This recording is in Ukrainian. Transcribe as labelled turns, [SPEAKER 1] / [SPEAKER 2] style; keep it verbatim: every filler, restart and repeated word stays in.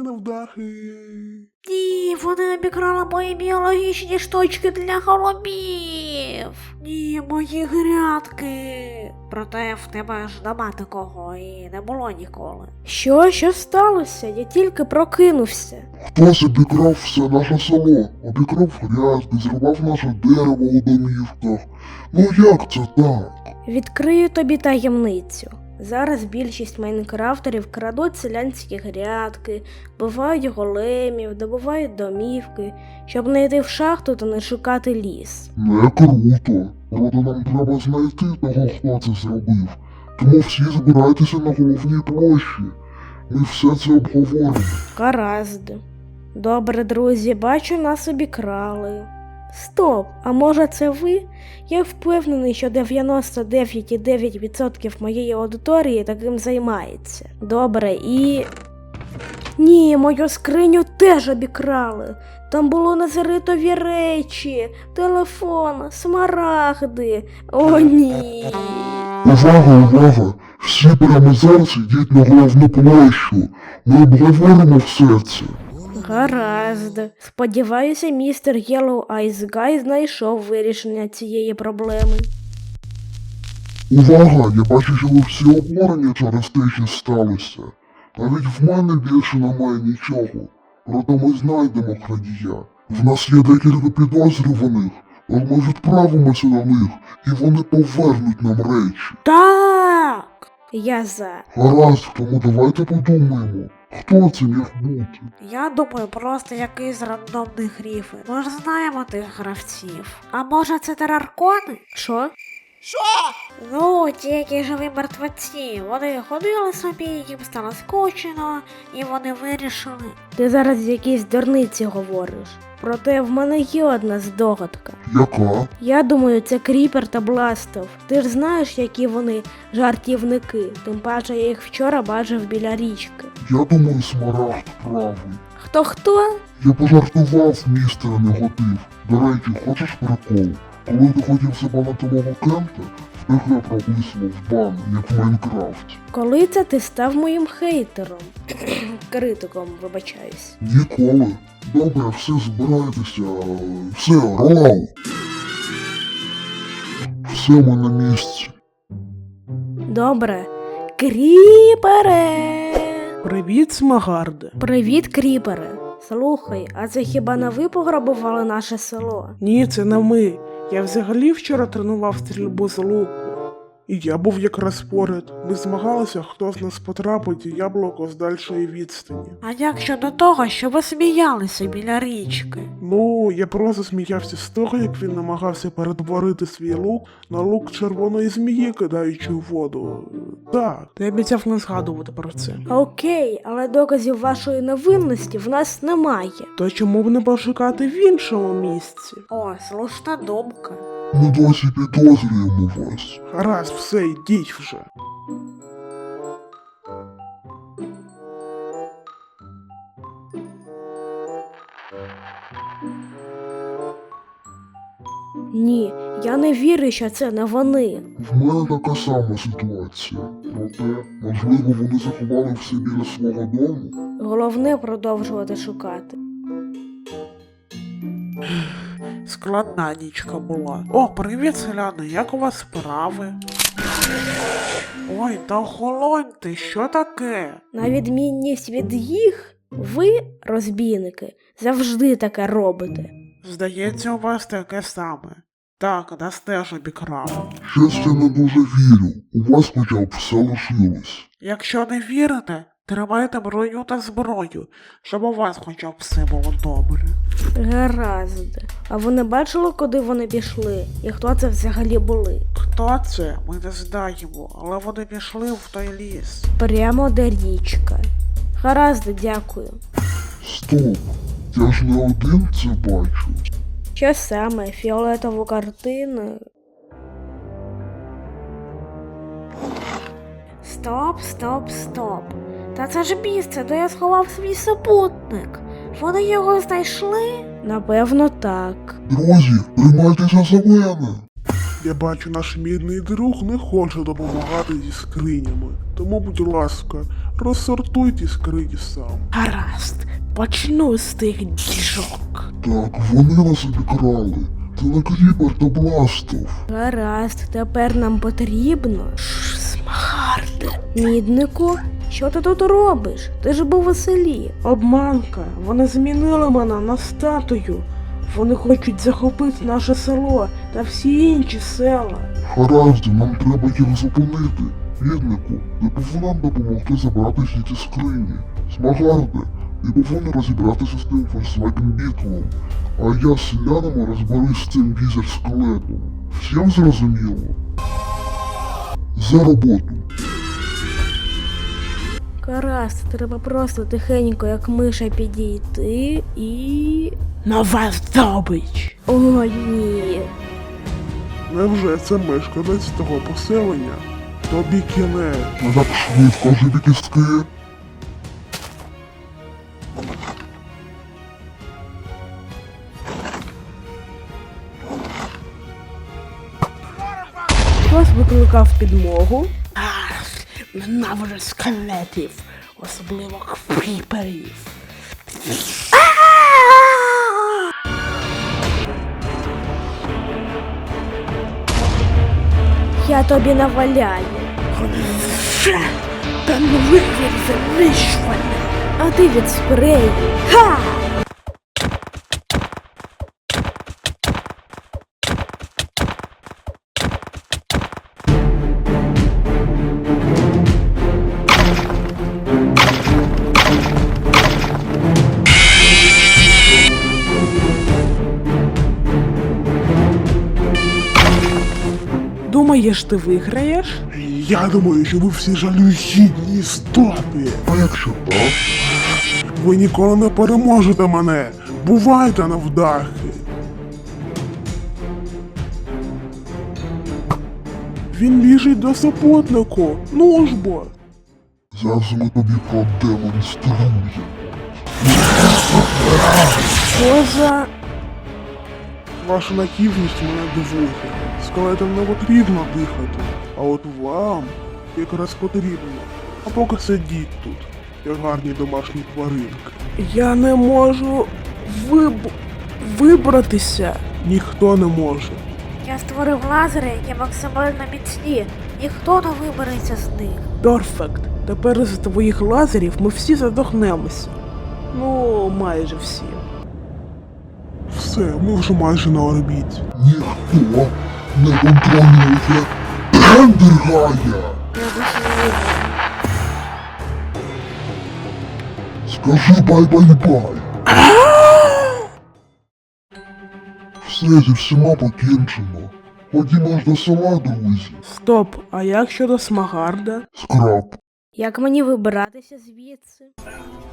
[SPEAKER 1] невдахи.
[SPEAKER 2] Ні, вони обікрали мої біологічні штучки для голубів. Ні, мої грядки. Проте в тебе ж нема такого і не було ніколи.
[SPEAKER 3] Що? Що сталося? Я тільки прокинувся.
[SPEAKER 1] Хтось обікрав все наше село, обікрав грядки, зрубав наше дерево у домівках. Ну як це так?
[SPEAKER 3] Відкрию тобі таємницю. Зараз більшість майнкрафтерів крадуть селянські грядки, вбивають големів, добувають домівки, щоб не йти в шахту та не шукати ліс.
[SPEAKER 1] Не круто. Проте нам треба знайти того, хто це зробив. Тому всі збирайтеся на головній площі. Ми все це обговоримо.
[SPEAKER 3] Гаразд. Добре, друзі, бачу, нас обікрали. Стоп, а може це ви? Я впевнений, що дев'яносто дев'ять цілих дев'ять десятих відсотка моєї аудиторії таким займається. Добре, і... Ні, мою скриню теж обікрали. Там було назаритові речі, телефон, смарагди. О, ні.
[SPEAKER 1] Увага, увага! Всі прямо зараз йдіть на головну площу. Ми обговоримо все це.
[SPEAKER 3] Гаразд. Сподіваюся, містер Yellow Eyes Guy знайшов вирішення цієї проблеми.
[SPEAKER 1] Увага! Я бачу, що ви всі обурені через те, що сталося. Навіть в мене більше немає нічого. Проте ми знайдемо крадія. В нас є декілька підозрюваних, але ми відправимося до них, і вони повернуть нам речі.
[SPEAKER 3] Так! Я за.
[SPEAKER 1] Гаразд, тому давайте подумаємо, хто це міг бути.
[SPEAKER 2] Я думаю, просто якийсь рандомний гріфин. Ми ж знаємо тих гравців. А може це тераркони?
[SPEAKER 3] Що?
[SPEAKER 2] Ну, ті, які живі мертвеці. Вони ходили собі, їм стало скучно, і вони вирішили.
[SPEAKER 3] Ти зараз якісь дурниці говориш. Проте в мене є одна здогадка.
[SPEAKER 1] Яка?
[SPEAKER 3] Я думаю, це Кріпер та Бластов. Ти ж знаєш, які вони жартівники. Тим паче я їх вчора бачив біля річки.
[SPEAKER 1] Я думаю, Смарагд правий.
[SPEAKER 3] Хто-хто?
[SPEAKER 1] Я пожартував, містер Негатив. До речі, хочеш прикол? Коли ти хотів забанити мого кента, в тих я прописував бан, як в Майнкрафті.
[SPEAKER 3] Коли це ти став моїм хейтером? Критиком, вибачаюсь.
[SPEAKER 1] Ніколи. Добре, все, збирайтеся. Все, ролау. Все, ми на місці.
[SPEAKER 3] Добре. Кріпере!
[SPEAKER 4] Привіт, Смагарде.
[SPEAKER 3] Привіт, Кріпере. Слухай, а це хіба не ви пограбували наше село?
[SPEAKER 4] Ні, це не ми. Я взагалі вчора тренував стрільбу з луку. І я був якраз поряд. Ми змагалися, хто з нас потрапить у яблуко з дальшої відстані.
[SPEAKER 2] А як щодо того, що ви сміялися біля річки?
[SPEAKER 4] Ну, я просто сміявся з того, як він намагався перетворити свій лук на лук червоної змії, кидаючи у воду. Так, ти обіцяв не згадувати про це.
[SPEAKER 3] Окей, але доказів вашої невинності в нас немає.
[SPEAKER 4] То чому б не пошукати в іншому місці?
[SPEAKER 2] О, слушна думка.
[SPEAKER 1] Ми досі підозрюємо вас.
[SPEAKER 4] Гаразд, все, йдіть вже.
[SPEAKER 3] Ні, я не вірю, що це не вони.
[SPEAKER 1] В мене така сама ситуація. Проте, можливо, вони заховали все біля свого дому.
[SPEAKER 3] Головне продовжувати шукати.
[SPEAKER 4] Складна нічка була. О, привіт, селяни, як у вас справи? Ой, та охолоньте, що таке? На
[SPEAKER 3] На відмінність від їх, ви, розбійники, завжди таке робите.
[SPEAKER 4] Здається, у вас таке саме. Так, нас теж обікрали.
[SPEAKER 1] Щось я не дуже вірю. У вас хоча б все лишилось.
[SPEAKER 4] Якщо не вірите, тримайте броню та зброю, щоб у вас хоча б все було добре.
[SPEAKER 3] Гаразд. А ви не бачили, куди вони пішли? І хто це взагалі були?
[SPEAKER 4] Хто це, ми не знаємо, але вони пішли в той ліс.
[SPEAKER 3] Прямо де річка. Гаразд, дякую.
[SPEAKER 1] Стоп. Я ж не один це бачу.
[SPEAKER 3] Що саме? Фіолетову картину?
[SPEAKER 2] Стоп, стоп, стоп. Та це ж місце, де я сховав свій супутник. Вони його знайшли?
[SPEAKER 3] Напевно, так.
[SPEAKER 1] Друзі, приймайтеся за мене.
[SPEAKER 4] Я бачу, наш мідний друг не хоче допомагати зі скринями. Тому, будь ласка, розсортуй ті скрині сам.
[SPEAKER 3] Гаразд, почну з тих діжок.
[SPEAKER 1] Так, вони нас обікрали. Це не Кріпер та Бластов.
[SPEAKER 3] Гаразд, тепер нам потрібно. Шш, Смагарде. Міднику, що ти тут робиш? Ти ж був у селі.
[SPEAKER 5] Обманка, вони змінили мене на статую. Вони хочуть захопити наше село та всі інші села.
[SPEAKER 1] Гаразд, нам треба їх зупинити. Віднику, ти повинен допомогти забрати всі ці скрині. Смагарде, ти повинен розібратися з тим фольксваген бітлом. А я з селянами розберусь з цим візер-скелетом. Всім зрозуміло? За роботу.
[SPEAKER 3] Гаразд, треба просто тихенько, як миша, підійти і.
[SPEAKER 5] Нова здобич!
[SPEAKER 3] О, ні.
[SPEAKER 4] Невже це мешканець того поселення? Тобі кінець.
[SPEAKER 1] Не так швидко живі кістки.
[SPEAKER 5] Хтось викликав підмогу. Ах, ненавиджу скелетів, особливо кріперів.
[SPEAKER 3] Я тобі наваляю.
[SPEAKER 5] Вже, та не вихід знищування.
[SPEAKER 3] А ти від спрею. Ха!
[SPEAKER 5] Думаєш, ти виграєш?
[SPEAKER 4] Я думаю, що ви всі жалюгідні істоти.
[SPEAKER 1] А якщо так?
[SPEAKER 4] Ви ніколи не переможете мене. Бувайте навдахи. Він біжить до супутнику. Ну ж бо.
[SPEAKER 1] Зараз ми тобі продемонструємо.
[SPEAKER 5] Що за...
[SPEAKER 4] Ваша наївність мене дивує. Скелетам не потрібно дихати. А от вам якраз потрібно. А поки сидіть тут, як гарні домашні тваринки.
[SPEAKER 5] Я не можу виб... вибратися.
[SPEAKER 4] Ніхто не може.
[SPEAKER 2] Я створив лазери, які максимально міцні. Ніхто не вибереться з них.
[SPEAKER 5] Перфект. Тепер з твоїх лазерів ми всі задохнемося. Ну, майже всі.
[SPEAKER 4] Все, ми вже майже на орбіті.
[SPEAKER 1] Ніхто не контролює Ендергая.
[SPEAKER 2] Я досі
[SPEAKER 1] Скажи бай-бай-бай. Все зі всіма покінчено. Ходімо ж до села, друзі.
[SPEAKER 5] Стоп, а як щодо Смагарда?
[SPEAKER 1] Скраб.
[SPEAKER 3] Як мені вибиратися звідси?